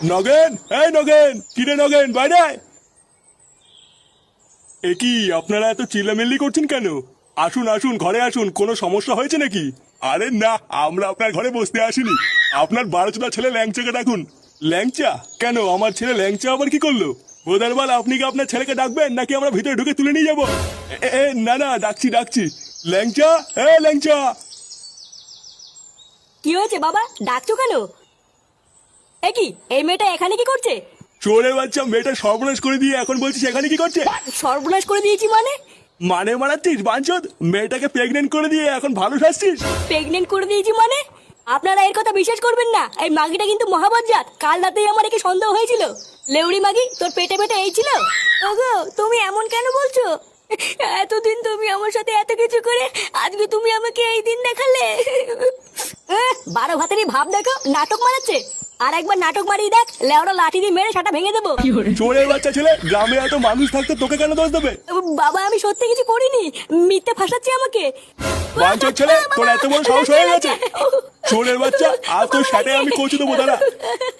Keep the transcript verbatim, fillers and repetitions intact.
নগেন, এই নগেন, কিরে নগেন, বাইরে আয়। এ কি আপনারা এত চিল্লামিল্লি করছেন কেন? আসুন আসুন, ঘরে আসুন, কোনো সমস্যা হয়েছে নাকি? আরে না, আমরা আপনার ঘরে বসতে আসিনি। আপনার বারোচোদা ছেলে ল্যাংচাকে ডাকুন। ল্যাংচা? কেন, আমার ছেলে ল্যাংচা আবার কি করলো? বোধারবাল, আপনি কি আপনার ছেলেকে ডাকবেন নাকি আমরা ভিতরে ঢুকে তুলে নিয়ে যাবো? এ, এ, না না, ডাকছি ডাকছি। ল্যাংচা, এ ল্যাংচা। কি হয়েছে বাবা, ডাকছো কেন? এ কি, এই মেয়েটা এখানে কি করছে? চোরের বাচ্চা, মেয়েটা সর্বনাশ করে দিয়ে এখন বলছিস এখানে কি করছে? সর্বনাশ করে দিয়েছি মানে? মানে মারাচ্ছিস বাঞ্চদ? মেয়েটাকে প্রেগনেন্ট করে দিয়ে এখন ভালো সাজছিস? প্রেগনেন্ট করে দিয়েছি মানে? আপনারা এর কথা বিশ্বাস করবেন না, এই মাগিটা কিন্তু মহাবজ্জাত। কাল রাতেই আমার একে সন্দেহ হয়েছিল। লেউড়ি মাগি, তোর পেটে পেটে এই ছিল? ওগো, তুমি এমন কেন বলছো? এতদিন তুমি আমার সাথে এত কিছু করে আজকে তুমি আমাকে এই দিন দেখালে। এহ, বারো ভাতেরই ভাব দেখো, নাটক মারাচ্ছে। আর একবার নাটক মারিয়ে দেখ, লেওড়া লাঠি দিয়ে মেরে সাটা ভেঙে দেবো। চোরের বাচ্চা ছেলে, গ্রামে এত মানুষ থাকতে তোকে কেন দোষ দেবে? বাবা, আমি সত্যি কিছু করিনি, মিথ্যে ফাঁসাচ্ছি আমাকে। বাঞ্চদ ছেলে, তোর এত বড় সাহস হয়ে গেছে? চোরের বাচ্চা, আর তোর সাথে আমি কচু দেবো, দাঁড়া।